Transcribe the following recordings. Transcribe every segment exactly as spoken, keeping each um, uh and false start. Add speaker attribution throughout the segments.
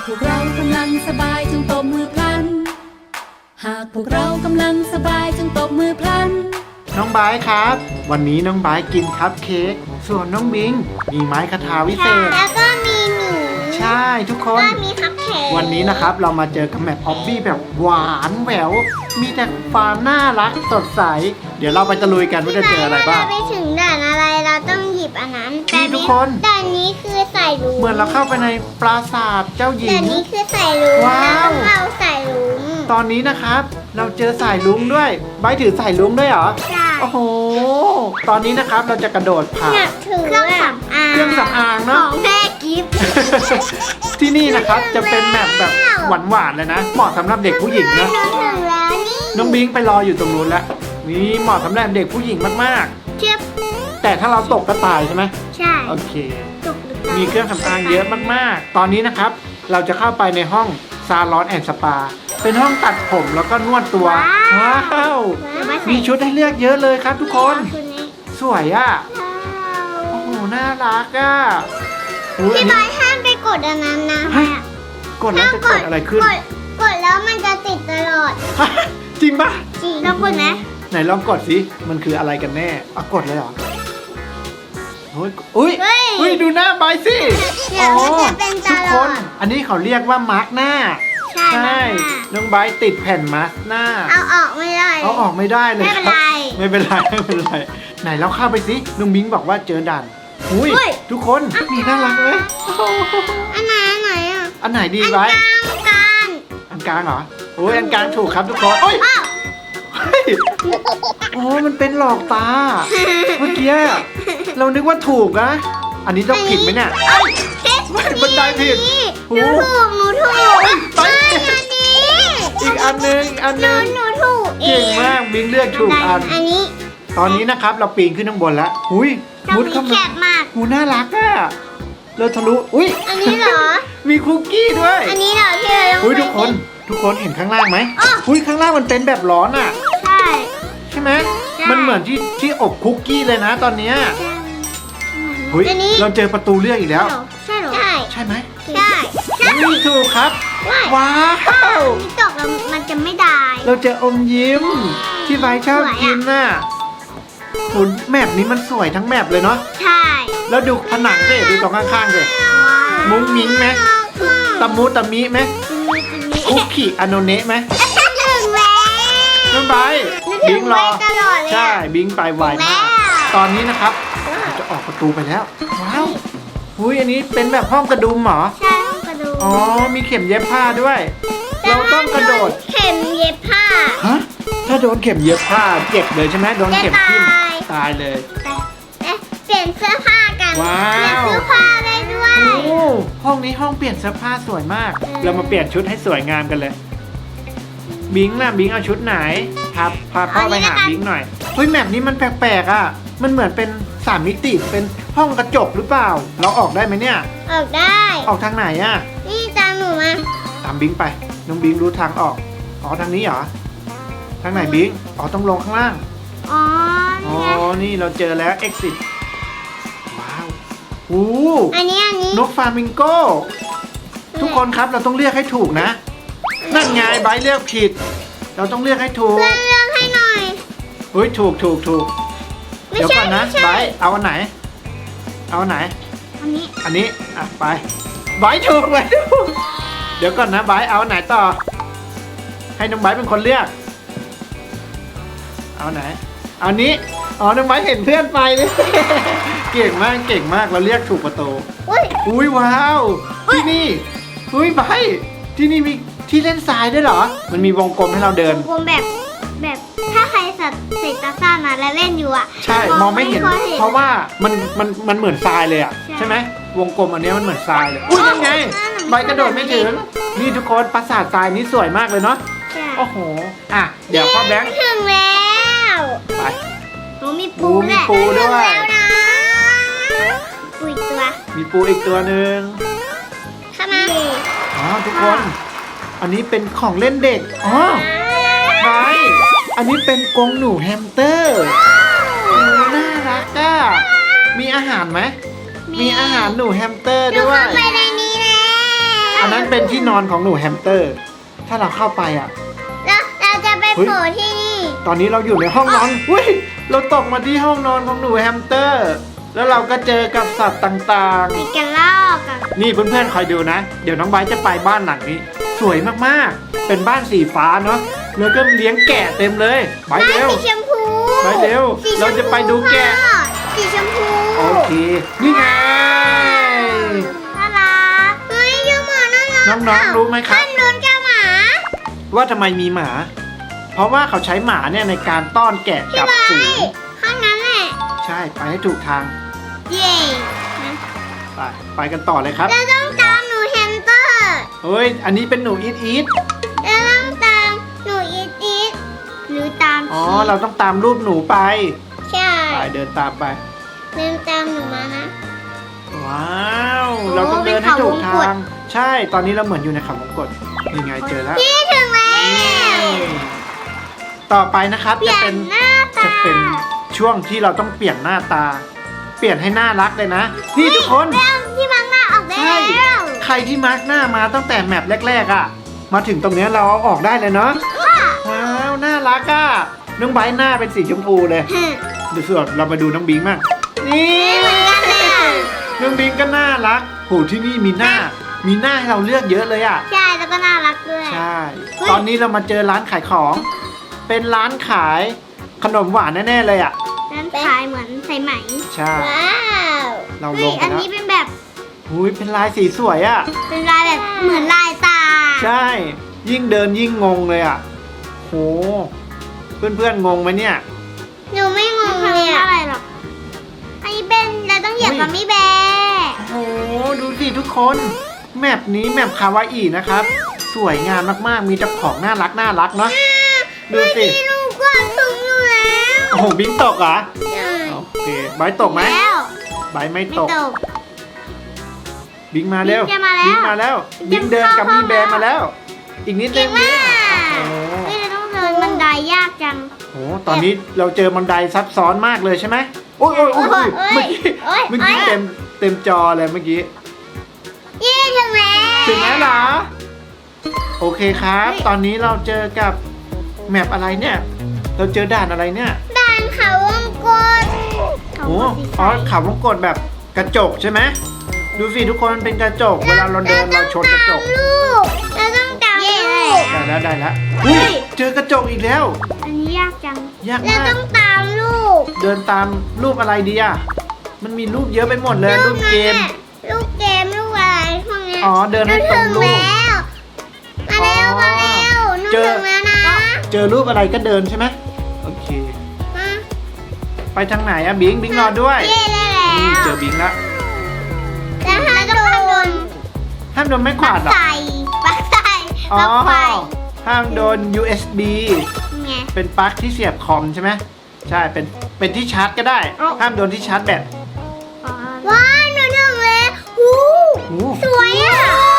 Speaker 1: พวกเรากำลังสบายจงตบมือพลันหากพวกเรากำลังสบายจงตบมือพลัน
Speaker 2: น้องไบร์ทครับวันนี้น้องไบร์ทกินคัพเค้กส่วนน้องบิงมีไม้คทาวิเศษ
Speaker 3: แล้วก็มีหมี
Speaker 2: ใช่ทุกคน
Speaker 3: ก็มีคัพเค้ก
Speaker 2: วันนี้นะครับเรามาเจอกับแมปออบบี้แบบหวานแหววมีแต่ความน่ารักสดใสเดี๋ยวเราไปตะลุยกันว่าจะเจออะไรบ้าง
Speaker 3: ไปถึงด่านอะไรเราต้องหยิบอันนั้น
Speaker 2: แต่ทุกคน
Speaker 3: ด่านนี้คือใส่ลุง
Speaker 2: เหมือนเราเข้าไปในปราสาทเจ้าหญิง
Speaker 3: ด่านนี้คือใส่ลุงว้าวเราใส่ลุง
Speaker 2: ตอนนี้นะครับเราเจอสายลุงด้วยใบถือสายลุงด้วยเหรอ
Speaker 3: ใช่
Speaker 2: โอ้โหตอนนี้นะครับเราจะกระโดดผ่าน
Speaker 3: เครื่องสำอาง
Speaker 2: เครื่องสำอางเนาะ
Speaker 3: ของแม่กิฟต์
Speaker 2: ที่นี่นะครับจะเป็นแมปแบบหวานๆเลยนะเหมาะสำหรับเด็กผู้หญิงนะน้องบิงไปรออยู่ตรงนู้นแล้วนี่เหมาะสำหรับเด็กผู้หญิงมาก
Speaker 3: ๆเทียบ
Speaker 2: แต่ถ้าเราตกก็ตายใช่ไหม
Speaker 3: ใช่
Speaker 2: โอเคมีเครื่องสำอางเยอะมากๆตอนนี้นะครับเราจะเข้าไปในห้องซาลอนแอนด์สปาเป็นห้องตัดผมแล้วก็นวดตัวว้าวมีชุดให้เลือกเยอะเลยครับทุกคนสวยอ่ะโอ้โหน่ารักอ่ะ
Speaker 3: พี่บอยห้ามไปกดอันนั้นนะ
Speaker 2: กดแล้วจะเกิดอะไรขึ้น
Speaker 3: กดแล้วมันจะติดตลอด
Speaker 2: จริงปะ
Speaker 3: จริงลองกดไหม
Speaker 2: ไหนลองกดสิมันคืออะไรกันแน่อ่ะกดเลยเหรออุ้ยอุ้ยอุ้ยดูหน้าใบสิ
Speaker 3: อ๋อทุก
Speaker 2: คนอันนี้เขาเรียกว่ามาร์กหน้า
Speaker 3: ใช่
Speaker 2: น้องไบร์ทติดแผ่นมาสก์หน้า
Speaker 3: เอาออกไม่ได้
Speaker 2: เอาออกไม่ได้เลย
Speaker 3: ไม่เป็นไร
Speaker 2: ไม่เป็นไรไม่เป็นไรไหนเราเข้าไปสิน้องบิงบอกว่าเจอด่านอุ้ยทุกคนนี่น่ารักไหม
Speaker 3: อันไหนอันไหนอ่ะ
Speaker 2: อันไหนดีไบร์ท
Speaker 3: อันกลาง
Speaker 2: อันกลางเหรอโอ้ยอันกลางถูกครับทุกคนโอ้ยโอ้มันเป็นหลอกตาเมื่อกี้เรานึกว่าถูกนะอันนี้ต้องผิดไหมเนี่ยบันไดผิด
Speaker 3: หนูถูกหนูถูกไปอันนี้
Speaker 2: อีกอันนึงอันนึง
Speaker 3: หนูถูก
Speaker 2: เก่งมากบิงเลือกถูกอัน
Speaker 3: อันนี้
Speaker 2: ตอนนี้นะครับเราปีนขึ้นข้างบนแล้วอุ้ยมุดเข้ามาหูน่ารักอ่ะเราทะลุอุ้ย
Speaker 3: อันนี้เหรอ
Speaker 2: มีคุกกี้ด้วย
Speaker 3: อันนี้เหรอที่เรา
Speaker 2: อุ้ยทุกคนทุกคนเห็นข้างล่างไหมอุ้ยข้างล่างมันเป็นแบบร้อนอ่ะ
Speaker 3: ใช่
Speaker 2: ใช่ไหมมันเหมือนที่ที่อบคุกกี้เลยนะตอนนี้อุ้ยเราเจอประตูเลือกอีกแล้ว
Speaker 3: ใช่หรอใช่
Speaker 2: ใช่ไหม
Speaker 3: ใช่
Speaker 2: นี่ถูกครับว้าว
Speaker 3: นี่ตกแล้วมันจะไม่ได้
Speaker 2: เราเจออมยิ้มที่ไบชอบกินน่ะหุ่นแมปนี้มันสวยทั้งแมปเลยเนาะ
Speaker 3: ใช่
Speaker 2: แล้วดูผนังสิดูตรงข้างๆสิมุ้งมิ้งไหมตะมูตะมิไหมคุกกี้อโนเนะไหมน้องไบบิงรอใช่บิงไปไวมากตอนนี้นะครับจะออกประตูไปแล้วว้าวอุ้ยอันนี้เป็นแบบห้องกระดุมเหรอ
Speaker 3: ใช่ห้องกระดุม
Speaker 2: อ๋อมีเข็มเย็บผ้าด้วยเราต้องกระโดด
Speaker 3: เข็มเย็บผ้า
Speaker 2: ฮะถ้าโดนเข็มเย็บผ้าเจ็บเลยใช่ไหมโดนเข็มทิ่มตายเลย
Speaker 3: เปลี่ยนเสื้อผ้ากัน
Speaker 2: ว้าว
Speaker 3: เปลี่ยนเสื้อผ้าได้ด้วย
Speaker 2: โอ้ห้องนี้ห้องเปลี่ยนเสื้อผ้าสวยมากเรามาเปลี่ยนชุดให้สวยงามกันเลยบิงล่ะบิงเอาชุดไหนพาพาพ่อไปหาบิงหน่อยเฮ้ยแมปนี้มันแปลกๆอ่ะมันเหมือนเป็นสามมิติเป็นห้องกระจกหรือเปล่าเราออกได้ไหมเนี่ย
Speaker 3: ออกได้
Speaker 2: ออกทางไหนอ่ะ
Speaker 3: นี่ตามหนูมา
Speaker 2: ตามบิงไปน้องบิงรู้ทางออกอ๋อทางนี้เหรอทางไหนบิงอ๋อต้องลงข้างล่าง
Speaker 3: อ๋อ
Speaker 2: อ๋อนี่เราเจอแล้ว exit ว้าวโอ้
Speaker 3: อันนี้อันนี้
Speaker 2: นกฟามิงโก้ทุกคนครับเราต้องเรียกให้ถูกนะนั่นไงไบร์ทเลือกผิดเราต้องเลือกให้ถูก
Speaker 3: เลือกให้หน่อย
Speaker 2: เฮ้ยถูกถูกถูกเดี๋ยวก่อนนะไบร์ทเอาอันไหนเอาอันไหน
Speaker 3: อันนี้
Speaker 2: อันนี้อ่ะไปไบร์ทถูกไว้เดี๋ยวก่อนนะไบร์ทเอาอันไหนต่อให้น้องไบร์ทเป็นคนเลือกเอาไหนเอานี้อ๋อน้องไบร์ทเห็นเพื่อนไปเลยเก่งมากเก่งมากเราเรียกถูกประตูอุ้ยว้าวที่นี่อุ้ยไบร์ทที่นี่มีที่เล่นทรายด้วยเหรอมันมีวงกลมให้เราเดิน
Speaker 3: วงกลมแบบแบบถ้าใครสัตว์เศษตาซ่ามาแล้วเล่นอยู่อ่ะ
Speaker 2: ใช่มองไม่เห็นเพราะว่ามันมันมันเหมือนทรายเลยอ่ะใช่ไหมวงกลมอันนี้มันเหมือนทรายเลยอุ้ยยังไงใบกระโดดไม่ถึงนี่ทุกคนปราสาททรายนี้สวยมากเลยเนาะโอ้โหอ่ะเดี๋ยวพ่อแบงค์
Speaker 3: ถึงแล้ว
Speaker 2: ไป
Speaker 3: หนูมีปู
Speaker 2: มีปูด้วย
Speaker 3: ปูอีกตัว
Speaker 2: มีปูอีกตัวหนึ่ง
Speaker 3: เข้ามา
Speaker 2: อ๋อทุกคนอันนี้เป็นของเล่นเด็กอ๋อไปอันนี้เป็นกรงหนูแฮมสเตอร์น่ารักอ่ะมีอาหารไหมมีอาหารหนูแฮมสเตอร์ด้วย
Speaker 3: ไปในนี้แล้
Speaker 2: อันนั้นเป็นที่นอนของหนูแฮมสเตอร์ ถ้าเราเข้าไปอ่ะ
Speaker 3: แล้วเราจะไป
Speaker 2: เฮ้ย
Speaker 3: โผล่ที่นี่
Speaker 2: ตอนนี้เราอยู่ในห้องนอนอุ้ยเราตกมาที่ห้องนอนของหนูแฮมสเตอร์ แล้วเราก็เจอกับสัตว์ต่าง
Speaker 3: มีกระรอกอะ
Speaker 2: ๆ นี่เพื่อนๆคอยดูนะ เดี๋ยวน้องไบร์ทจะไปบ้านหลังนี้ สวยมากๆ เป็นบ้านสีฟ้าเนาะ แล้วก็เลี้ยงแกะเต็มเลยไบร์ท
Speaker 3: บ้าน
Speaker 2: เร็ว
Speaker 3: สีชมพู
Speaker 2: ไปเร็ว
Speaker 3: สีชมพู
Speaker 2: เราจะไปดูแกะ
Speaker 3: พ่อสีชมพู
Speaker 2: โอเค นี่ไง
Speaker 3: น่ารักเฮ้ยเจ้าหมาน่ารัก
Speaker 2: น้องๆรู้ไหมครับ
Speaker 3: ท่านโดนเจ้าหมา
Speaker 2: ว่าทำไมมีหมา เพราะว่าเขาใช้หมาเนี่ยในการต้อนแกะกลับฝูง
Speaker 3: ข้างนั้นแหละ
Speaker 2: ใช่ ไปให้ถูกทาง
Speaker 3: เย่
Speaker 2: ไป ไปกันต่อเลยครับ
Speaker 3: เราต้องตามหนูแฮมสเตอร์
Speaker 2: เฮ้ย อันนี้เป็นหนูอีทอีท
Speaker 3: เราต้องตามหนูอีทอีทหรือตาม
Speaker 2: อ๋อ
Speaker 3: ชีส
Speaker 2: เราต้องตามรูปหนูไป
Speaker 3: ใช่
Speaker 2: ไปเดินตามไป
Speaker 3: เดินตามหนูมานะ
Speaker 2: ว้าว
Speaker 3: โอ้
Speaker 2: เราต้องเดินให้ถูก
Speaker 3: เป็นเขาวงก
Speaker 2: ทา
Speaker 3: ต
Speaker 2: ง ใช่ ตอนนี้เราเหมือนอยู่ในเขาวงกตนี่ไงเจอแล้ว
Speaker 3: พี่ถึงแล้ว
Speaker 2: ต่อไปนะครับ
Speaker 3: เปลี่
Speaker 2: จะ
Speaker 3: ย
Speaker 2: เป็น
Speaker 3: นหน้าตา
Speaker 2: จะเป็นช่วงที่เราต้องเปลี่ยนหน้าตา เปลี่ยนให้น่ารักเลยนะ นี่ทุกคน
Speaker 3: เรื่องที่บังหน้าออกได้
Speaker 2: ใช่
Speaker 3: แล้ว
Speaker 2: ใครที่มาร์กหน้ามาตั้งแต่แมปแรกๆอ่ะ มาถึงตรงเนี้ยเราเอาออกได้เลยเนาะ ว้าว น่ารักอ่ะ น้องไบร์ทหน้าเป็นสีชมพูเลย
Speaker 3: ฮึ
Speaker 2: เดี๋ยวส่วนเรามาดูน้องบิงบ้างนี่
Speaker 3: เหมือนกันเลยอะ
Speaker 2: น้องบิงก็น่ารักโหที่นี่มีหน้า มีหน้าให้เราเลือกเยอะเลยอ่ะ
Speaker 3: ใช่แล้วก็น่ารักด้วย
Speaker 2: ใช่
Speaker 3: เฮ้ย
Speaker 2: ตอนนี้เรามาเจอร้านขายของ เป็นร้านขายขนมหวานแน่ๆเลยอ่ะ
Speaker 3: นั้นขายเหมือนใส่ไหม
Speaker 2: ใช่
Speaker 3: ว้าว
Speaker 2: เรา
Speaker 3: ฮ้ย
Speaker 2: ลงไป
Speaker 3: อัน
Speaker 2: แล้ว
Speaker 3: นี้เป็นแบบ
Speaker 2: หุยเป็นลายสีสวยอ่ะ
Speaker 3: เป็นลายแบบเหมือนลายตา
Speaker 2: ใช่ ยิ่งเดินยิ่งงงเลยอ่ะโหเพื่อนๆงงไหมเนี่ย
Speaker 3: หนูไม่งงเลยอะอะไรหรอกอันนี้เป็นเราต้องเหยียบ
Speaker 2: เฮ้ย
Speaker 3: กับมี่แบร์
Speaker 2: โอ้โหดูสิทุกคน แมปนี้แมปคาวาอินะครับ สวยงามมากๆ มีเจ้าของน่ารักน่ารักเนาะ ดูสิ
Speaker 3: มีลูกกวางสูงอยู่แล้ว
Speaker 2: โอ้โหบิงตกเหรอ
Speaker 3: ใช่
Speaker 2: โอเคไบร์ทตกไหม
Speaker 3: แล้ว
Speaker 2: ไบร์ทไม่
Speaker 3: ไม่
Speaker 2: ตก
Speaker 3: ตก
Speaker 2: บิงมาเร็ว
Speaker 3: บิงจะมาแล้ว
Speaker 2: บิงมาแล้ว บิงเดินกับ
Speaker 3: เข้า
Speaker 2: มีแบร์มาแล้ว อีกนิดนึ
Speaker 3: เก่
Speaker 2: ง
Speaker 3: ง
Speaker 2: บิ
Speaker 3: มาง ก
Speaker 2: โอ้โห
Speaker 3: เฮ้ยเราต้องเดินบันไดยากจัง
Speaker 2: โอ้โหตอนนี้เราเจอบันไดซับซ้อนมากเลยใช่ไหมโอ้ยโอ้ยโอ้ย
Speaker 3: โอ้ย
Speaker 2: เมื่อกี้
Speaker 3: โอ้ย
Speaker 2: เมื่อกี้
Speaker 3: โอ้ย
Speaker 2: เต็มเต็มจอเลยเมื่อกี้
Speaker 3: เย้ถึงแล้ว
Speaker 2: ถึงแล้วเหรอ โอเคครับ
Speaker 3: เฮ้ย
Speaker 2: ตอนนี้เราเจอกับแมปอะไรเนี่ย เราเจอด่านอะไรเนี่ย
Speaker 3: ด่านเขาวงกตเขา
Speaker 2: โอ้
Speaker 3: วงกต
Speaker 2: อ๋อเขาวงกดแบบกระจกใช่ไหมดูสิทุกคนมันเป็นกระจก เวลาเราเดินเราชนกระจก
Speaker 3: เราต้องตามลูก
Speaker 2: ได้แล้วได้แล้วอุ้ยเจอกระจกอีกแล้ว
Speaker 3: อันนี้ยากจัง
Speaker 2: ยาก
Speaker 3: เรา
Speaker 2: มาก
Speaker 3: ต้องตามลูก
Speaker 2: เดินตามรูปอะไรดีอ่ะ มันมีรูปเยอะไปหมดเลยรูปเกม
Speaker 3: ลูกเกมลูกอะไรพวกเนี้ย
Speaker 2: อ๋อเดินให้ตรงรูป
Speaker 3: มาแล้วมาแล้วหนู
Speaker 2: เจอ
Speaker 3: ถึงแล้วนะ
Speaker 2: เจอรูปอะไรก็เดินใช่ไหมโอเค
Speaker 3: มา
Speaker 2: ไปทางไหนอะบิงบิงรอด้วย
Speaker 3: เย้ได้แล้ว
Speaker 2: นี่เจอบิงละ
Speaker 3: แล้วห้ามโดน
Speaker 2: ห้ามโดนไม้ขวาดเหรอ
Speaker 3: ใส่ปลั๊กใส่
Speaker 2: อ๋
Speaker 3: ป
Speaker 2: อ
Speaker 3: ลั๊กไฟ
Speaker 2: ห้ามโดน ยู เอส บี
Speaker 3: ไง
Speaker 2: เป็นปลั๊กที่เสียบคอมใช่ไหมใช่เป็นเป็นที่ชาร์จก็ได้
Speaker 3: เอ้า
Speaker 2: ห้ามโดนที่ชาร์จแบต
Speaker 3: ว้าวหนูถึงแล้วหู
Speaker 2: โอ้
Speaker 3: สวยอ่ะ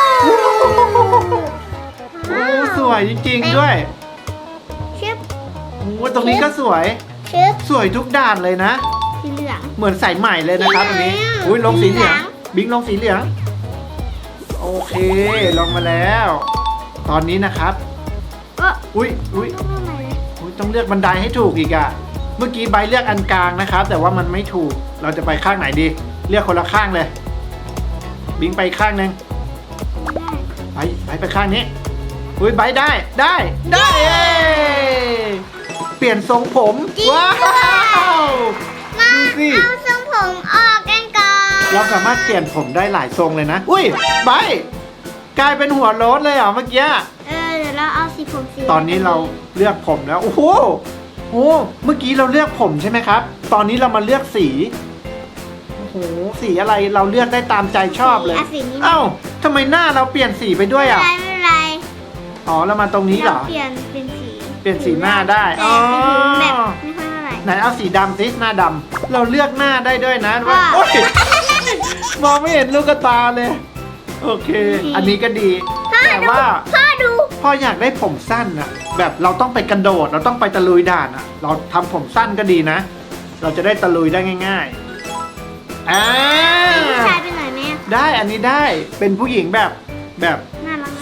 Speaker 2: โอ้สวยจริงๆด้วย
Speaker 3: ชึบ
Speaker 2: โอ้ตรงนี้ก็สวย
Speaker 3: ชึบ
Speaker 2: สวยทุกด้านเลยนะ
Speaker 3: สีเหลือง
Speaker 2: เหมือนสายใหม่เลยนะครับตรงนี้
Speaker 3: สีเหลือง
Speaker 2: อุ้ยลงสีเหลือง
Speaker 3: สีเหลือง
Speaker 2: บิงลงสีเหลือง โอเคลงมาแล้ว ตอนนี้นะครับ
Speaker 3: ก็
Speaker 2: อุ้ยอุ้ย
Speaker 3: ต้องทำไมเลย
Speaker 2: อุ๊ยต้องเลือกบันไดให้ถูกอีกอะเมื่อกี้ใบเลือกอันกลางนะครับ แต่ว่ามันไม่ถูก เราจะไปข้างไหนดี เลือกคนละข้างเลย บิงไปข้างหนึ่งไปไปไปข้างนี้ อุ้ยใบได้ได้ ได้เย้เปลี่ยนทรงผม ว้าว
Speaker 3: มา
Speaker 2: ดูสิ
Speaker 3: เอาทรงผมออกกันก่อน
Speaker 2: เราสามารถเปลี่ยนผมได้หลายทรงเลยนะ อุ้ยใบกลายเป็นหัวโล้นเลยเหรอเมื่อกี้
Speaker 3: เออเดี๋ยวเราเอาสีผมสี
Speaker 2: ตอนนี้เราเลือกผมแล้ว โอ้โหโอ้เมื่อกี้เราเลือกผมใช่ไหมครับ ตอนนี้เรามาเลือกสี โอ้โห สีอะไรเราเลือกได้ตามใจชอบเลย
Speaker 3: อ่ะสีนี้
Speaker 2: เอ้าทำไมหน้าเราเปลี่ยนสีไปด้วย
Speaker 3: ไม่
Speaker 2: อ่ะ
Speaker 3: เป็นไรไม่เป็นไร
Speaker 2: อ๋อ แล้วมาตรงนี้เหรอ
Speaker 3: เปลี่ยนเป็นสี
Speaker 2: เปลี่ยนสีหน้าได้
Speaker 3: แต่
Speaker 2: อ๋อ
Speaker 3: สีแบบไม่ค่อยเท่าไหร่
Speaker 2: ไหนเอาสีดำสิหน้าดำ เราเลือกหน้าได้ด้วยนะว่า
Speaker 3: ว่า
Speaker 2: โอ๊ยมองไม่เห็นลูกตาเลย โอเค อันนี้ก็ดี แต่ว่า
Speaker 3: พ่อดู
Speaker 2: พ่ออยากได้ผมสั้นอะแบบเราต้องไปกระโดด เราต้องไปตะลุยด่านอะเราทำผมสั้นก็ดีนะ เราจะได้ตะลุยได้ง่ายๆอ่า
Speaker 3: ผู้ชายไปหน่อยไหมอะ
Speaker 2: ได้อันนี้ได้เป็นผู้หญิงแบบแบบ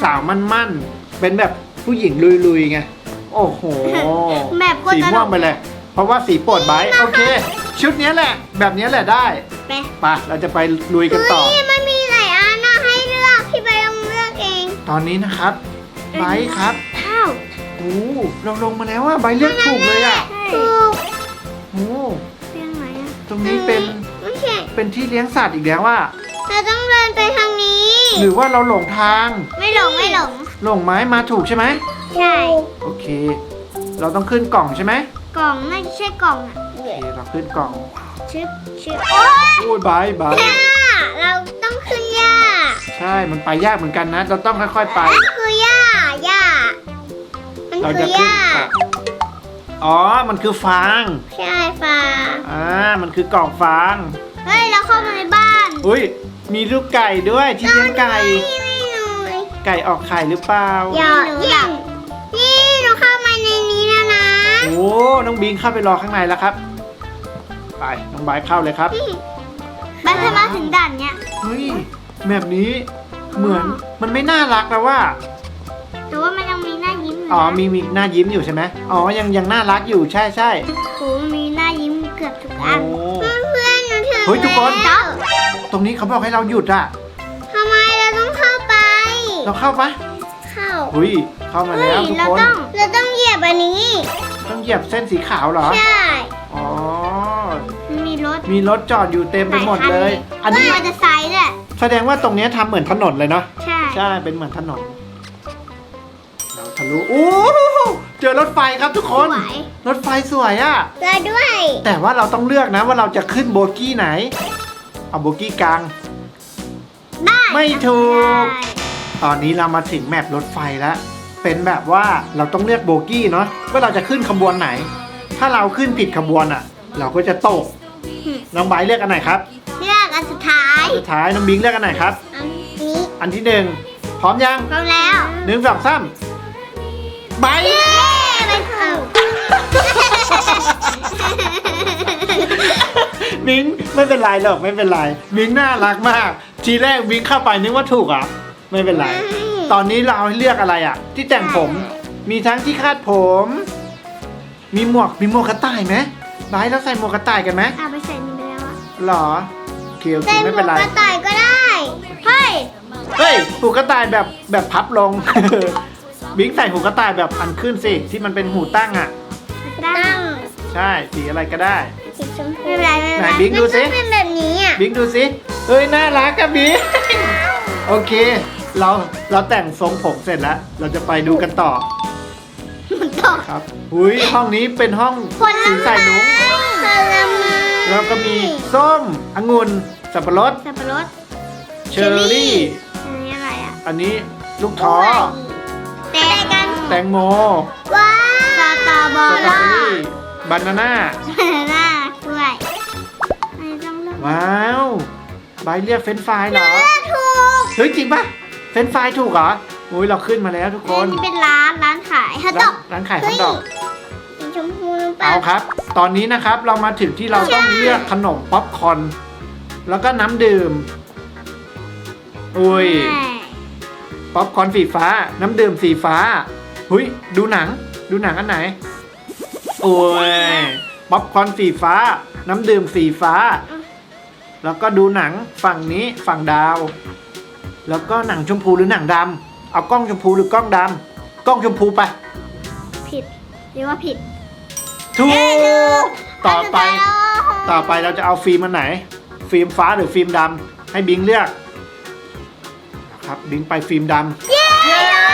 Speaker 2: สาวมั่นๆเป็นแบบผู้หญิงลุยๆไงโอ้โห
Speaker 3: แบบโคตร
Speaker 2: สีม่วงไปเลย เพราะว่าสีโปรดไบร์ทโอเค ชุดเนี้ยแหละ แบบเนี้ยแหละได้
Speaker 3: ไป
Speaker 2: ไปเราจะไปลุยกันต่อ
Speaker 3: เฮ้ยมันมีหลายอันนะให้เลือกพี่ใบต้องเลือกเอง
Speaker 2: ตอนนี้นะครับไบร์ทครับ
Speaker 3: ข้าว
Speaker 2: โอ้เราลงมาแล้วว่าไบร์ทเลือกถูกเลยอ่ะ
Speaker 3: ถูก
Speaker 2: โอ้
Speaker 3: เรื่องไหนอะ
Speaker 2: ตรงนี้เป็น
Speaker 3: ไม่ใช่
Speaker 2: เป็นที่เลี้ยงสัตว์อีกแล้วว่า
Speaker 3: เราต้องเดินไปทางนี้
Speaker 2: หรือว่าเราหลงทาง
Speaker 3: ไม่หลงไม่หลง
Speaker 2: หลงไม้มาถูกใช่ไหม
Speaker 3: ใช่
Speaker 2: โอเค เราต้องขึ้นกล่องใช่ไหม
Speaker 3: กล่องน่าจะใช่กล่องอ่ะ
Speaker 2: โอเคเราขึ้นกล่อง
Speaker 3: ชึบชึบโอ๊ย
Speaker 2: โอ้ยไบร์ทไบร์ท
Speaker 3: หญ้าเราต้องขึ้นหญ้า
Speaker 2: ใช่มันไปยากเหมือนกันนะ เราต้องค่อยๆไป
Speaker 3: นั่นคือหญ้าหญ้ามัน
Speaker 2: เรา
Speaker 3: คื
Speaker 2: จะ
Speaker 3: อห
Speaker 2: ขึ้น
Speaker 3: ญ้า
Speaker 2: อ่ะอ๋อ มันคือฟาง
Speaker 3: ใช่ฟ้า
Speaker 2: อ่า มันคือกล่องฟาง
Speaker 3: เฮ้ยเราเข้ามาในบ้าน
Speaker 2: อุ้ย มีลูกไก่ด้วยที่เลี้ยงไก่
Speaker 3: นี่ไม่หน่อย
Speaker 2: ไก่ออกไข่หรือเปล่า
Speaker 3: อย่าอย่านี่เราเข้ามาในนี้แล้วนะ
Speaker 2: โอ้ น้องบิงเข้าไปรอข้างในแล้วครับ ไป น้องไบร์ทเข้าเลยครับ
Speaker 3: บ้านถ้ามาถึงด่านเนี้ย
Speaker 2: เฮ้ย แบบนี้เหมือนมันไม่น่ารักแล้วว่า
Speaker 3: แต่ว่ามันยังมีหน้ายิ้มยู่นะ
Speaker 2: อ๋อ มีมีหน้ายิ้มอยู่ใช่ไหมอ๋อ ยังยังน่ารักอยู่ใช่ใช่
Speaker 3: โอ้มีหน้ายิ้มเกือบทุกอัน
Speaker 2: โอ้
Speaker 3: เพื่อนๆหนูถึง
Speaker 2: เฮ้ยทุกคน
Speaker 3: แล้ว
Speaker 2: ตรงนี้เขาบอกให้เราหยุดอะ
Speaker 3: ทำไมเราต้องเข้าไป
Speaker 2: เราเข้าปะ
Speaker 3: เข้า
Speaker 2: เฮ้ย เข้ามา
Speaker 3: เฮ้ย
Speaker 2: แล้วทุก
Speaker 3: เรา
Speaker 2: คน
Speaker 3: ต้องเราต้องเหยียบอันนี้
Speaker 2: ต้องเหยียบเส้นสีขาวเหรอ
Speaker 3: ใช่
Speaker 2: อ๋อ
Speaker 3: มันมีรถ
Speaker 2: มีรถจอดอยู่เต็มไปหมดเลย อันนี้
Speaker 3: มอเตอร์ไซค์ด้วย
Speaker 2: แสดงว่าตรงเนี้ยทำเหมือนถนนเลยเนาะ
Speaker 3: ใช่
Speaker 2: ใช่ เป็นเหมือนถนน เราทะลุโอ้เจอรถไฟครับทุกคน
Speaker 3: สวย
Speaker 2: รถไฟสวยอะ
Speaker 3: เราด้วย
Speaker 2: แต่ว่าเราต้องเลือกนะว่าเราจะขึ้นโบกี้ไหน เอาโบกี้กลาง
Speaker 3: ได้
Speaker 2: ไม่ถูก
Speaker 3: ได้
Speaker 2: ตอนนี้เรามาถึงแมปรถไฟแล้ว เป็นแบบว่าเราต้องเลือกโบกี้เนาะว่าเราจะขึ้นขบวนไหน ถ้าเราขึ้นผิดขบวนอะเราก็จะตก น้องไบร์ทเลือกอันไหนครับ
Speaker 3: เลือกอันสุดท้าย
Speaker 2: สุดท้ายน้องบิงเลือกอันไหนครับ
Speaker 3: อันนี้
Speaker 2: อันที่หนึ่งพร้อมยัง
Speaker 3: พร้อมแล้ว
Speaker 2: หนึ่งสองสามไบร์ท
Speaker 3: เย้ไม่ถูก
Speaker 2: บิงไม่เป็นไรหรอกไม่เป็นไรบิงน่ารักมาก ทีแรกบิงเข้าไปนึกว่าถูกอ่ะไม่เป็นไร ตอนนี้เราให้เลือกอะไรอ่ะ ที่แต่งผม มีทั้งที่คาดผม มีหมวกมีหมวกกระต่ายไหมไบร์ทเราใส่หมวกกระต่ายกันไหม
Speaker 3: เอาไปใส่นี่ไปแล้วอะ
Speaker 2: หรอโอเคโอเค
Speaker 3: ใส่หม
Speaker 2: ไม่
Speaker 3: ว
Speaker 2: เป็น
Speaker 3: ก
Speaker 2: ไร
Speaker 3: กระต่ายก็ได้ เฮ้ย
Speaker 2: เฮ้ยหูกระต่ายแบบแบบพับลง บิงใส่หูกระต่ายแบบอันขึ้นสิที่มันเป็นหูตั้งอ่ะ
Speaker 3: ตั้ง
Speaker 2: ใช่สีอะไรก็ได้
Speaker 3: สีชมพูไม่เป็นไรไม่เป็นไร
Speaker 2: ไหนบิ๊กดูสิ
Speaker 3: มันต้องเป็นแบบนี้อ่ะ
Speaker 2: บิ๊กดูสิเฮ้ยน่ารักกับบิ๊ก โอเค เราเราแต่งทรงผมเสร็จแล้ว เราจะไปดูกันต่อ
Speaker 3: มันตก
Speaker 2: ครับอุ้ยห้องนี้เป็นห้อง
Speaker 3: ผล
Speaker 2: สี
Speaker 3: ไม้
Speaker 2: ใส่นุ้ง
Speaker 3: ผลไม้
Speaker 2: แล้วก็มีส้มองุ่นสับปะรด
Speaker 3: สับปะรด
Speaker 2: เชอร์รี่
Speaker 3: อันนี้อะไรอ่ะ
Speaker 2: อันนี้ลูกท้อ
Speaker 3: แตงกัน
Speaker 2: แตงโม
Speaker 3: ว้าวสตรอเบอ
Speaker 2: สตรอ
Speaker 3: รี่
Speaker 2: เบอรี่บานาน่า
Speaker 3: น่ากล้วยอันนี้ต้องเลือก
Speaker 2: ว้าวใบเรียกเฟรนช์ฟรายเหรอ
Speaker 3: เลือกถูก
Speaker 2: เฮ้ยจริงปะเฟรนช์ฟรายถูกเหรออุ้ยเราขึ้นมาแล้วทุกค
Speaker 3: อั
Speaker 2: น
Speaker 3: นนี้เป็นร้านร้านขายฮอทด
Speaker 2: ร้า
Speaker 3: อน ก
Speaker 2: ร้านขายฮอทดอก
Speaker 3: สีชมพูหรือเปล่า
Speaker 2: เอาครับ ตอนนี้นะครับเรามาถึงที่เราต้องเลือกขนมป๊อปคอร์นแล้วก็น้ำดื่ม อุ้ย
Speaker 3: ใช่
Speaker 2: ป๊อปคอร์นสีฟ้า น้ำดื่มสีฟ้า หุยดูหนัง ดูหนังอันไหน โอ้ย ป๊อปคอร์นสีฟ้า น้ำดื่มสีฟ้า แล้วก็ดูหนังฝั่งนี้ฝั่งดาว แล้วก็หนังชมพูหรือหนังดำ เอากล้องชมพูหรือกล้องดำ กล้องชมพูไป
Speaker 3: ผิดหรือว่าผิด
Speaker 2: ถูก ต่อไป
Speaker 3: นสุดท้ายแล้ว
Speaker 2: ต่อไปเราจะเอาฟิล์มอันไหน ฟิล์มฟ้าหรือฟิล์มดำให้บิงเลือกครับบิงไปฟิล์มดำ
Speaker 3: เย้
Speaker 2: เย้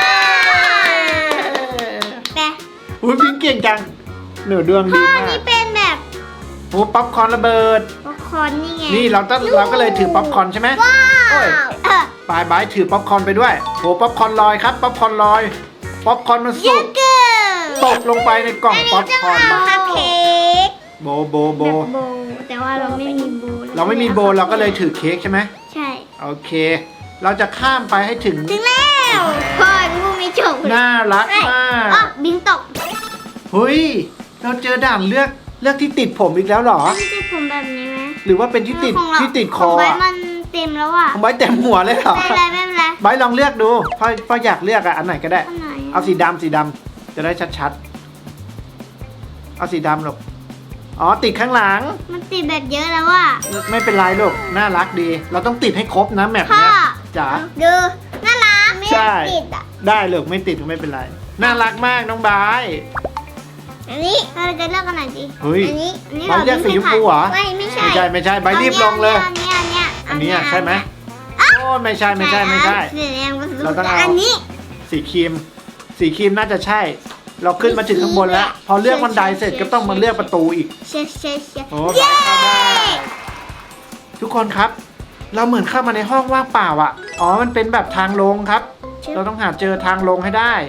Speaker 3: แต่
Speaker 2: อุ้ยบิงเก่งจังหนูดวง
Speaker 3: ข้
Speaker 2: ดี
Speaker 3: อ
Speaker 2: มาก
Speaker 3: นี้เป็นแบบ
Speaker 2: โอ้ป๊อปคอร์นระเบิด
Speaker 3: ป๊อปคอร์นนี่ไง
Speaker 2: นี่เราต้องเราก็เลยถือป๊อปคอร์นใช่ไหม
Speaker 3: ว้า
Speaker 2: โอ้ย
Speaker 3: วเออ
Speaker 2: ปลายบายถือป๊อปคอร์นไปด้วยโอ้ป๊อปคอร์นลอยครับป๊อปคอร์นลอยป๊อปคอร์นมัน
Speaker 3: เย
Speaker 2: สุ
Speaker 3: อะ
Speaker 2: ก
Speaker 3: เกิน
Speaker 2: ตกลงไปในกล่อง
Speaker 3: อัน
Speaker 2: ป๊อ
Speaker 3: นี้
Speaker 2: ป
Speaker 3: จะ
Speaker 2: คอร์น
Speaker 3: เอาคัพเค้ก
Speaker 2: โบโบโบ
Speaker 3: แบบโบแต่ว่าเราไม่มีโบ
Speaker 2: เราไม่มีโบเราก็เลยถือเค้กใช่ไหม
Speaker 3: ใช่
Speaker 2: โอเค เราจะข้ามไปให้ถึง
Speaker 3: ถึงแล้วพ่องูไม่จบ
Speaker 2: น่ารัก
Speaker 3: เอ้ย
Speaker 2: มาก
Speaker 3: อ๋อบินตก
Speaker 2: เฮ้ย เราเจอด่านเลือกเลือกที่ติดผมอีกแล้วเหรอ
Speaker 3: นี่จะผมแบบนี้ไหม
Speaker 2: หรือว่าเป็นที่ติด
Speaker 3: ของเรา
Speaker 2: ที่ติดคอ
Speaker 3: ของไว้
Speaker 2: อะ
Speaker 3: มันเต็มแล้วอ่ะ
Speaker 2: ของไบร์ทเต็มหัวเลยเหรอ
Speaker 3: ไม่เป็นไรไม่เป็นไร
Speaker 2: ไบร์ทลองเลือกดูพ่อพ่ออยากเลือกอะอันไหนก็ได้
Speaker 3: อันไหน
Speaker 2: เอาสีดำสีดำจะได้ชัดๆเอาสีดำลูกอ๋อติดข้างหลัง
Speaker 3: มันติดแบบเยอะแล้วอ่ะ
Speaker 2: ไม่เป็นไรลูกน่ารักดี เราต้องติดให้ครบนะแมป
Speaker 3: พ่อ
Speaker 2: เนี้ยจ๋า
Speaker 3: ดูน่ารักไม่
Speaker 2: ใช่
Speaker 3: ติดอ่ะ
Speaker 2: ได้ลูกไม่ติดก็ไม่เป็นไรน่ารักมากน้องไบร์ท
Speaker 3: อันนี้เราจะเลือกกันไหนดี
Speaker 2: เฮ้ย
Speaker 3: อันนี้อันนี้
Speaker 2: เราเลือกสีชมพูเหรอ
Speaker 3: ไม่ไม่ใช่
Speaker 2: ไม่ใช่ไม่ใช่ไบร์ทรีบลงเลย
Speaker 3: อันนี้อันนี้
Speaker 2: อันนี้อะใช่ไหมโอ้ไม่ใช่ไม่ใช่ไม่ใช่
Speaker 3: สีแดงผสม
Speaker 2: เราต้องเอา
Speaker 3: อันนี้
Speaker 2: สีครีม สีครีมน่าจะใช่ เราขึ้นมาถึงข้างบนแล้ว พอเลือกบันไดเสร็จก็ต้องมาเลือกประตูอีก
Speaker 3: เชียร์เชียร์เชียร์
Speaker 2: โอ้ไปเข้าได้ทุกคนครับ เราเหมือนเข้ามาในห้องว่างเปล่าอ่ะ อ๋อ มันเป็นแบบทางลงครับ เราต้องหาเจอทางลงให้ได้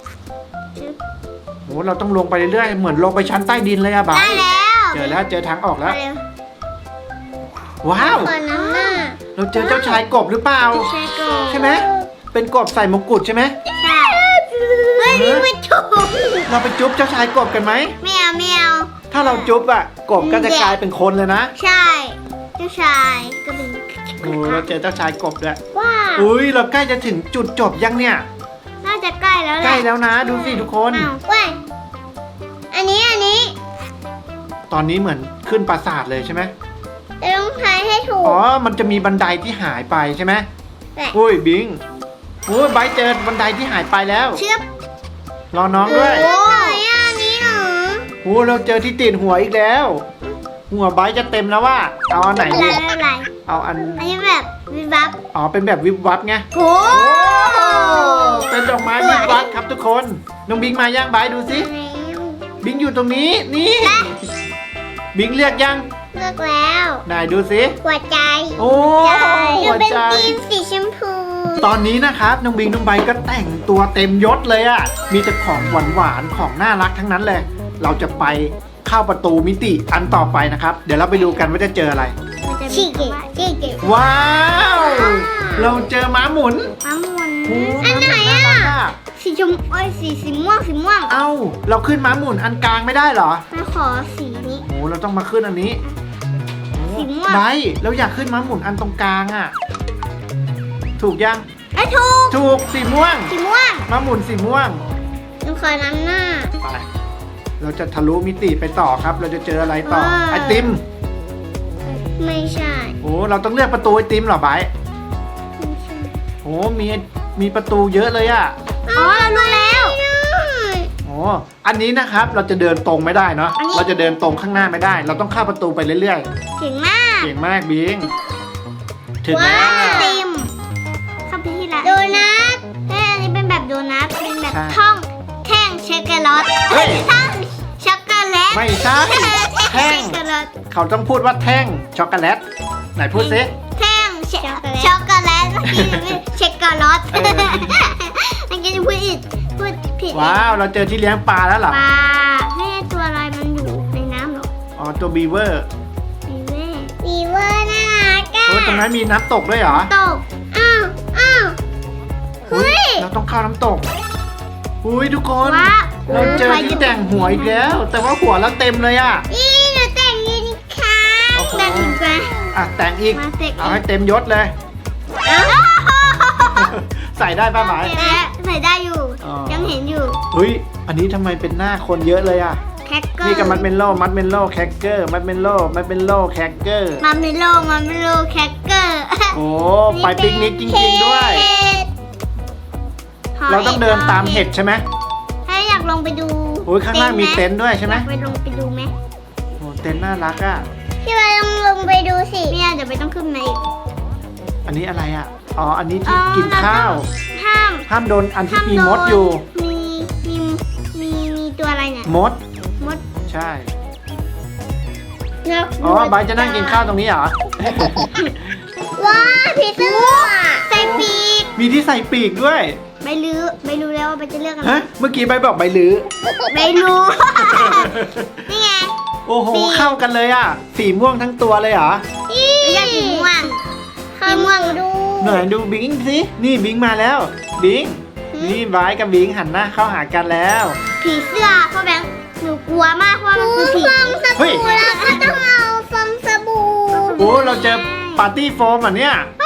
Speaker 2: โอ้เราต้องลงไปเรื่อยๆ เหมือนลงไปชั้นใต้ดินเลยอะบา
Speaker 3: ได้
Speaker 2: ย
Speaker 3: แล้ว
Speaker 2: เจอแล้วเจอทางออกแล้ว
Speaker 3: มาเร็ว
Speaker 2: ว้าว
Speaker 3: คนน้ำหน้า
Speaker 2: เราเจอเจ้าชายกบหรือเปล่า
Speaker 3: ใช่ก
Speaker 2: ใช่ไหม เป็นกบใส่มงกุฎใช่ไหม
Speaker 3: ใช่เฮ้ยนี่ไม่ถูก
Speaker 2: เราไปจุ๊บเจ้าชายกบกันไหม
Speaker 3: ไม่เอาไม่เอา
Speaker 2: ถ้าเราจุ๊บอะกบก็จะกลายเป็นคนเลยนะ
Speaker 3: ใช่เจ้าชายก็เป็น
Speaker 2: โอ้เราเจอเจ้าชายกบด้วย
Speaker 3: ว้าว
Speaker 2: อุ้ยเราใกล้จะถึงจุดจบยังเนี่ย
Speaker 3: น่าจะใกล้แล้วแหละ
Speaker 2: ใกล้แล้วนะดูสิทุกคน
Speaker 3: อ้าวเว้ยอันนี้อันนี้
Speaker 2: ตอนนี้เหมือนขึ้นปราสาทเลยใช่ไหม
Speaker 3: จะต้องทายให้ถูก
Speaker 2: อ๋อ มันจะมีบันไดที่หายไปใช่ไหม
Speaker 3: แต่
Speaker 2: อุ้ยบิงอุ้ยไบร์ทเจอบันไดที่หายไปแล้ว
Speaker 3: เชือบ
Speaker 2: รอน้องด้วย
Speaker 3: โอ้ยอันนี้เหรอ
Speaker 2: โอ้เราเจอที่ติดหัวอีกแล้ว หัวไบร์ทจะเต็มแล้วว่า เอาอันไหน
Speaker 3: ไม่
Speaker 2: ดี
Speaker 3: เป็นไรไม่เป็นไร
Speaker 2: เอาอัน
Speaker 3: อันนี้แบบวิบวับ
Speaker 2: อ๋อ เป็นแบบวิบวับไง
Speaker 3: โอ้
Speaker 2: เป็นดอกไม้วิบวับครับทุกคน น้องบิงมาย่างไบร์ทดูสิ บิงอยู่ตรงนี้ นี่ บิงเลือกยัง
Speaker 3: เลือกแล้ว
Speaker 2: ไหนดูสิ
Speaker 3: หัวใจ
Speaker 2: โอ้หัว
Speaker 3: เป็น
Speaker 2: ใจ
Speaker 3: ทีมสีชมพู
Speaker 2: ตอนนี้นะครับน้องบิงน้องใบก็แต่งตัวเต็มยศเลยอะ่ะ มีแต่ของหวานหวานๆของน่ารักทั้งนั้นเลย เราจะไปเข้าประตูมิติอันต่อไปนะครับ เดี๋ยวเราไปดูกันว่าจะเจออะไร
Speaker 3: ชีเกะชีเกะ
Speaker 2: ว้าว เราเจอม้าหมุน
Speaker 3: ม้าหมุน
Speaker 2: โอ้
Speaker 3: อันไหน
Speaker 2: ม้า
Speaker 3: อ่ะ
Speaker 2: มุน่ารัก
Speaker 3: สีชมโอ้ยสีสีม่วงสีม่วง
Speaker 2: เอ้า เราขึ้นม้าหมุนอันกลางไม่ได้เหรอ
Speaker 3: มาขอสีนี้
Speaker 2: โอ้เราต้องมาขึ้นอันนี้โอ้
Speaker 3: สีม่วง
Speaker 2: ได้เราอยากขึ้นม้าหมุนอันตรงกลางอะ่ะ ถูกยัง
Speaker 3: ไอ้ยถูก
Speaker 2: ถูกสีม่วง
Speaker 3: สีม่วง
Speaker 2: ม้าหมุนสีม่วง
Speaker 3: หนูขอน้ำหน้า
Speaker 2: ไป เราจะทะลุมิติไปต่อครับ เราจะเจออะไรต่อ
Speaker 3: ว้าว
Speaker 2: ไอติม
Speaker 3: ไม่ใช่
Speaker 2: โอ้เราต้องเลือกประตูไอติมเหรอไบร์ท
Speaker 3: ไม่ใช่
Speaker 2: โอ้มีมีประตูเยอะเลยอะ
Speaker 3: อ๋อเรารู้แล้ว
Speaker 2: โอ้อันนี้นะครับเราจะเดินตรงไม่ได้เนาะ
Speaker 3: อันนี้
Speaker 2: เราจะเดินตรงข้างหน้าไม่ได้ เราต้องเข้าประตูไปเรื่อย
Speaker 3: เก่งมาก
Speaker 2: ๆ เก่งมากบิง ถึง
Speaker 3: ว้า
Speaker 2: แล้ว
Speaker 3: วเต็มเข้าไปที่ร้านโดนัทเอ้ยอันนี้เป็นแบบโดนัทเป็นแบบ
Speaker 2: ใช่
Speaker 3: ท่องแท่งช็อกโกแลต
Speaker 2: เฮ้ย
Speaker 3: ท่องช็อกโกแลต
Speaker 2: ไม่ใช่ แท่ง
Speaker 3: ช็อกโกแลต
Speaker 2: เขาต้องพูดว่าแท่งช็อกโกแลต ไหนพูดซิ
Speaker 3: แท่งช็อกโกแลตเมื่อกี้ไม่ช็อกโกแลต
Speaker 2: เออ
Speaker 3: เมื่อกี้จะพูดผิดพูดผิด
Speaker 2: ว้าว เราเจอที่เลี้ยงปลาแล้วเหรอ
Speaker 3: ปลาแม่ตัวอะไรมันอยู่ในน้ำเหรอ
Speaker 2: อ๋อ ตัวบีเวอร์
Speaker 3: มีแม่มีเวอร์น่ารักอะ
Speaker 2: โอ้ตรงนั้นมีน้ำตกด้วยเหรอ
Speaker 3: ตกอ้าวอ้าว
Speaker 2: อุ๊
Speaker 3: เฮ้ย
Speaker 2: เราต้องเข้าน้ำตก อุ้ยทุกคน
Speaker 3: ว้าว
Speaker 2: เราเจอที่แต่งหัวอีกแล้ว แต่ว่าหัวเราเต็มเลยอ่ะ
Speaker 3: นี่หนูแต่งยูนิคอร์
Speaker 2: โอ้โห
Speaker 3: นแต่งอีกไหม
Speaker 2: อ่ะแต่งอีก
Speaker 3: มาแต่งอีก
Speaker 2: เอาให้เต็มยศเลย
Speaker 3: อ้าว
Speaker 2: ใส่ได้ป้าหมาย
Speaker 3: ใส่ได้อยู่
Speaker 2: อ๋อ
Speaker 3: ยังเห็นอยู่
Speaker 2: เฮ้ย อันนี้ทำไมเป็นหน้าคนเยอะเลยอ่ะ
Speaker 3: แคคเกอร์
Speaker 2: นี่กับมัดเมนโล่ มัดเมนโล่แคคเกอร์ มัดเมนโล่ มัดเมนโล่แคคเกอร์
Speaker 3: มาเมโลมาเมโลแคคเกอร์
Speaker 2: โอ้ไปปิกนิกจริงๆด้วย เราต้องเดินตามเห็ดใช่ไหม
Speaker 3: ถ้าอยากลงไปดู
Speaker 2: โอ้ยข้างล่างมีเต็นท์ด้วยใช่ไหม
Speaker 3: อยากไปลงไปดูไหม
Speaker 2: โอ้เต็นท์น่ารักอ่ะ
Speaker 3: พี่วาลองลงไปดูสิเนี่ยเดี๋ยวไปต้องขึ้นมาอีก
Speaker 2: อันนี้อะไรอ่ะ อ๋อ อันนี้ที่กินข้าว
Speaker 3: ห้าม
Speaker 2: ห้ามโดนอันที่
Speaker 3: ห้าม
Speaker 2: มี
Speaker 3: โดน
Speaker 2: มดอยู่
Speaker 3: มีมีมีมีตัวอะไรเนี่ย
Speaker 2: มด
Speaker 3: มด
Speaker 2: ใช่
Speaker 3: นก
Speaker 2: อ๋อไบร์ทจะนั่งกินข้าวตรงนี้เหรอ
Speaker 3: ว้าผีเสื้อใส่ปีก
Speaker 2: มีที่ใส่ปีกด้วย
Speaker 3: ไม่รู้ไม่รู้แล้วว่าไปจะเลือกอะไร
Speaker 2: ฮะ เมื่อกี้ใบร์ทบอกใบลือ
Speaker 3: ไม่รู้ นี่ไง
Speaker 2: โอ้โห
Speaker 3: สี
Speaker 2: เข้ากันเลยอ่ะ สีม่วงทั้งตัวเลยเหรอ
Speaker 3: ไม่ใช่สีม่วงสีม่วงดู
Speaker 2: หน่อยดูบิงสิ นี่บิงมาแล้ว บิง
Speaker 3: หืม
Speaker 2: นี่ไบร์ทกับบิงหันหน้าเข้าหากันแล้ว
Speaker 3: ผีเสื้อพ่อแบงค์หนูกลัวมากเพราะมันคือผีฟองส
Speaker 2: เฮ้ย
Speaker 3: บู่แล้วก็ต้องเอาฟองสบู่
Speaker 2: โอ้เราเจอปาร์ตี้โฟมอ่ะเนี่ย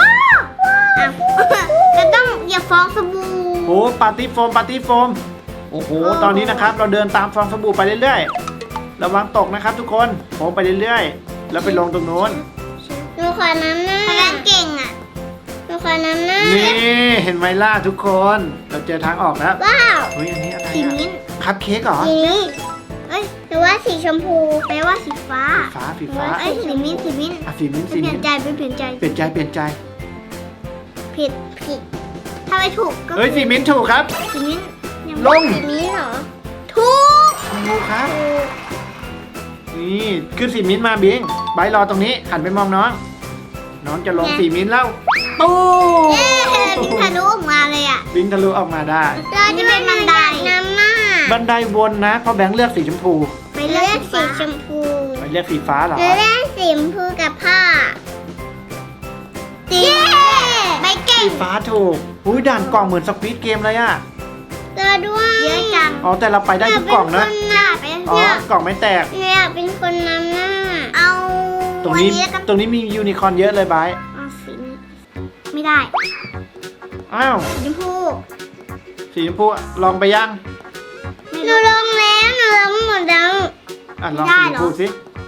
Speaker 3: อ้าวจะต้องอย่าฟ้องสบู่
Speaker 2: โอ้ปาร์ตี้โฟมปาร์ตี้โฟมโอ้โหตอนนี้นะครับเราเดินตามฟองสบู่ไปเรื่อยๆระวังตกนะครับทุกคนโค้งไปเรื่อยๆแล้วไปลงตรงโน้น
Speaker 3: หนูขอน้ำหน้าพลังเก่งอ่ะหนูขอน้ำหน้า
Speaker 2: นี่เห็นไหมล่ะทุกคนเราเจอทางออกแล้ว
Speaker 3: ว้าว
Speaker 2: เฮ้ยอันนี้อะไร
Speaker 3: สี
Speaker 2: อะ
Speaker 3: มิ้นท์
Speaker 2: คัพเค้กเหรอ
Speaker 3: สีมิ้นท์เอ้ยหรือว่าสีชมพูแปลว่าสีฟ้า
Speaker 2: ฟ้าสีฟ้า
Speaker 3: เอ้ยสีมิ้นท์สีมิ้นท์
Speaker 2: อ่ะสีมิ้นท์
Speaker 3: ไป
Speaker 2: สี
Speaker 3: เปลี่
Speaker 2: มิ้
Speaker 3: ย
Speaker 2: น
Speaker 3: น
Speaker 2: ท์
Speaker 3: ใจไปเปลี่ยนใจ
Speaker 2: เปลี่ยนใจเปลี่ยนใจ
Speaker 3: ผิดผิดถ้าไม่ถูกก็
Speaker 2: เฮ้ยสีมิ้นท์ถูกครับ
Speaker 3: สีมิ้นท์ยัง
Speaker 2: ลง
Speaker 3: สีมิ้นท์เหรอถูก
Speaker 2: ถูกครับ
Speaker 3: ถูก
Speaker 2: นี่ขึ้นสีมิ้นท์มาบิงไบร์ทรอตรงนี้หันไปมองน้อง น้องจะลงสีมิ้นท์แล้วตู้
Speaker 3: เย้บินทะลุออกมาเลยอ่ะ
Speaker 2: บิงทะลุออกมาได้
Speaker 3: เราจะเป็นบันไดน้ำหน้า
Speaker 2: บันไดวนนะเพราะแบงค์เลือกสีชมพู
Speaker 3: ไปเลือกสีชมพู
Speaker 2: ไปเลือกสีฟ้าเหรอ
Speaker 3: เลือกสีชมพูกับผ้าสีใบเก่
Speaker 2: สี
Speaker 3: ง
Speaker 2: ฟ้าถูกอุ้ยด่านกล่องเหมือนสควิดเกมเลยอะ
Speaker 3: เจอด้วยเยอะจัง
Speaker 2: อ๋อแต่เราไปได้ทุกกล่องนะ
Speaker 3: อยากเป็น
Speaker 2: อ๋อ
Speaker 3: คน
Speaker 2: กล่องไม่แตก
Speaker 3: อยากเป็นคนนำหน้า เอา
Speaker 2: ตรงนี้
Speaker 3: วันแล้วก็
Speaker 2: ตรงนี้มียูนิคอร์นเยอะเลยไบร์ท
Speaker 3: เอาสีนี้ไม่ได้
Speaker 2: อ้าว
Speaker 3: สีชมพู
Speaker 2: สีชมพูลองไปยัง
Speaker 3: หนูลงแล้วหนูลงหมดแล้ว
Speaker 2: อ่ะลอง
Speaker 3: ได้
Speaker 2: สีช
Speaker 3: เหร
Speaker 2: ม
Speaker 3: อ
Speaker 2: พูสิ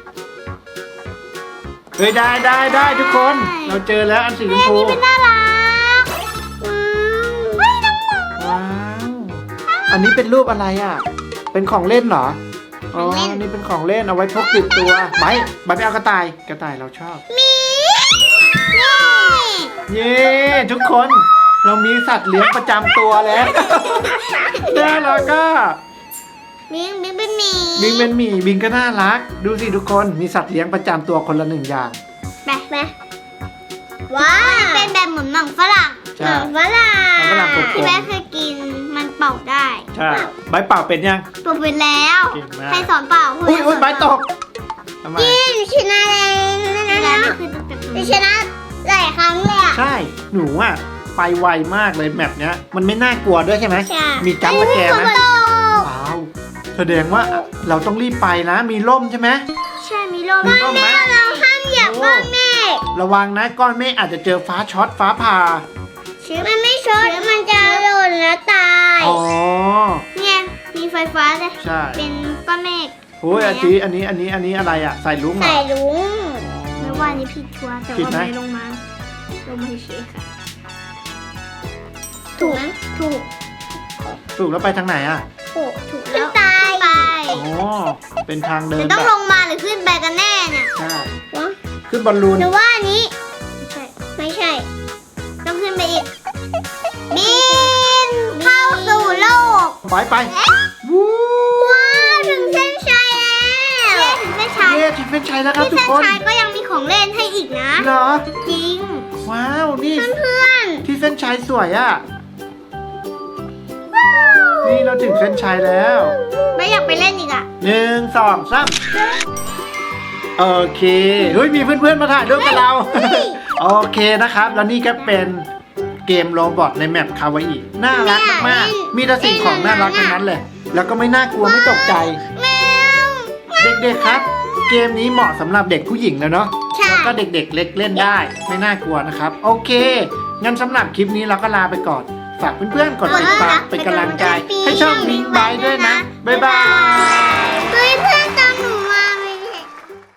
Speaker 2: เฮ้ยได้ได้ได้ทุกคน
Speaker 3: ได้
Speaker 2: เราเจอแล้วอันสีชมพู
Speaker 3: เป็นน่ารักว้าวเฮ้ยน้องหมา
Speaker 2: ว้าวอันนี้เป็นรูปอะไรอ่ะ เป็นของเล่นเหรออ๋อ
Speaker 3: ของเล่น
Speaker 2: อันนี้เป็นของเล่นเอาไว้พกติดตัวไบร์ทไบร์ทไปเอากระต่ายกระต่ายเราชอบ
Speaker 3: มีนี่
Speaker 2: เย้ทุกคนเรามีสัตว์เลี้ยงประจำตัวแล้วน่ารักก็
Speaker 3: บิงบิงเป็นหมี
Speaker 2: บิงเป็นหมีบิงก็น่ารัก ดูสิทุกคนมีสัตว์เลี้ยงประจำตัวคนละหนึ่งอย่าง
Speaker 3: ไปไปว้าวเป็นแบบเหมือนหนังฝรั่ง
Speaker 2: ใช่
Speaker 3: หนังฝรั่ง
Speaker 2: หนังฝรั่งกลมๆ
Speaker 3: ที่แม่เคยกินมันเป่าได้
Speaker 2: ใช่ใบร์ทเป่าเป็นยัง
Speaker 3: เป่าไปแล้ว
Speaker 2: เก่งมาก
Speaker 3: ใครสอนเป่า
Speaker 2: อุ้ยอุ้ยใบร์ทตกทำไม
Speaker 3: ยี่หนูชนะแล้วนะนะหนูชนะหลายครั้งเลยอ่ะ
Speaker 2: ใช่หนูอ่ะไปไวมากเลยแมปเนี้ยมันไม่น่ากลัวด้วยใช่ไหม
Speaker 3: ใช่
Speaker 2: มีจัมป์สแกร์ไหม
Speaker 3: เอ้ย
Speaker 2: ว้าวแสดงว่าเราต้องรีบไปนะ มีร่มใช่ไหม
Speaker 3: ใช่มีลม
Speaker 2: มีลมไหม
Speaker 3: เราห้ามเหยียบก้อนเมฆ
Speaker 2: ระวังนะก้อนเมฆอาจจะเจอฟ้าช็อตฟ้าผ่า
Speaker 3: มันไม่ช็อตมันจะหล่นแล้วตาย
Speaker 2: อ๋อ
Speaker 3: เนี่ยมีไฟฟ้าเลย
Speaker 2: ใช่
Speaker 3: เป็นก้อนเมฆ
Speaker 2: โอ้ยอันนี้อันนี้อันนี้อันนี้อะไรอ่ะใส่ลุ้งเหรอ
Speaker 3: ใส่ลุงไม่ว่านี่ผิดชัวร์แต่
Speaker 2: ผิด
Speaker 3: ว่า
Speaker 2: ไหม
Speaker 3: ไม่ลงมาลงมาเฉยๆค่ะถูกไหมถูก
Speaker 2: ถูกแล้วไปทางไหนอ่ะ
Speaker 3: ถูกถูกแล้วตายไป
Speaker 2: อ๋อเป็นทางเดิ
Speaker 3: จะ
Speaker 2: น
Speaker 3: ต้อง
Speaker 2: แบบ
Speaker 3: ลงมาหรือขึ้นไปกันแน่เนี่ย
Speaker 2: ใช่
Speaker 3: วะ
Speaker 2: ขึ้นบอลลูน
Speaker 3: หรือว่าอันนี้ไม่ใช่ไม่ใช่ ต้องขึ้นไปอีกบินเข้าสู่โลก
Speaker 2: ไปไปวู้
Speaker 3: ว้าวถึงเส้นชัยแล้วถึงเส้นชัย
Speaker 2: เย้ถึงเป็นชัยแล้วครับ
Speaker 3: ที่
Speaker 2: ทุก
Speaker 3: เส้น
Speaker 2: คน
Speaker 3: ชัยก็ยังมีของเล่นให้อีกนะ
Speaker 2: เหรอ
Speaker 3: จริง
Speaker 2: ว้าวนี่
Speaker 3: เพื่อน
Speaker 2: ที่เส้นชัยสวยอ่ะนี่เราถึงเส้นชัยแล้ว
Speaker 3: ๆไม่อยากไปเล่นอีกอ่ะ
Speaker 2: หนึ่งสองสามโอเคเฮ้ยมีเพื่อนๆมาถ่ายรูปกับเรา โอเคนะครับ แล้วนี่ก็เป็นเกมโรบอทในแมปคาวาอิน่ารักมากๆมีแต่สิ่งของน่ารักทั้งนั้นเลย แล้วก็ไม่น่ากลัวไม่ตกใจ
Speaker 3: แมว
Speaker 2: เด็กๆครับ เกมนี้เหมาะสำหรับเด็กผู้หญิงแล้วเนาะ
Speaker 3: ใช่
Speaker 2: แล้วก็เด็กๆเล็กเล่นได้ ไม่น่ากลัวนะครับ โอเค งั้นสำหรับคลิปนี้เราก็ลาไปก่อน ฝากเพื่อนๆกดติดตามเป็นกำลังใจ ให้ช่องมิงบายด้วยนะ บ๊ายบาย
Speaker 3: เพื่อน